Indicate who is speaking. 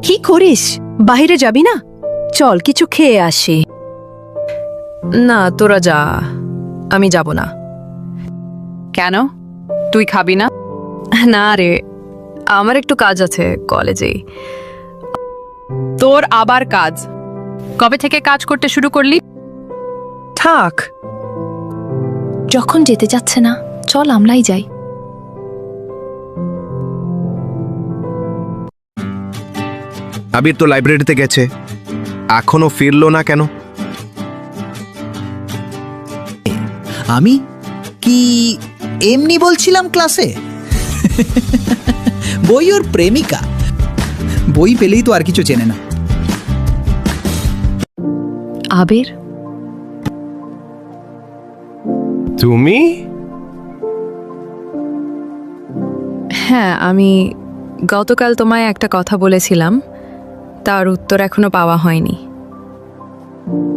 Speaker 1: কি করিস? বাইরে যাবি না? চল কিছু খেয়ে আসি।
Speaker 2: না, তোরা যা, আমি যাব না।
Speaker 3: কেন, তুই খাবি না?
Speaker 2: না রে, আমার একটু কাজ আছে কলেজেই।
Speaker 3: তোর আবার কাজ? কবে থেকে কাজ করতে শুরু করলি?
Speaker 2: থাক,
Speaker 4: যখন যেতে যাচ্ছে না, চল আমরাই যাই।
Speaker 5: আবির তো লাইব্রেরিতে গেছে, এখনো ফিরলো না কেন?
Speaker 6: আমি কি এমনি বলছিলাম ক্লাসে? বই ওর প্রেমিকা, বই পেলেই তো আর কিছু চেনে না।
Speaker 4: আবির,
Speaker 5: তুমি?
Speaker 2: হ্যাঁ, আমি গতকাল তোমায় একটা কথা বলেছিলাম, তার উত্তর এখনো পাওয়া হয়নি।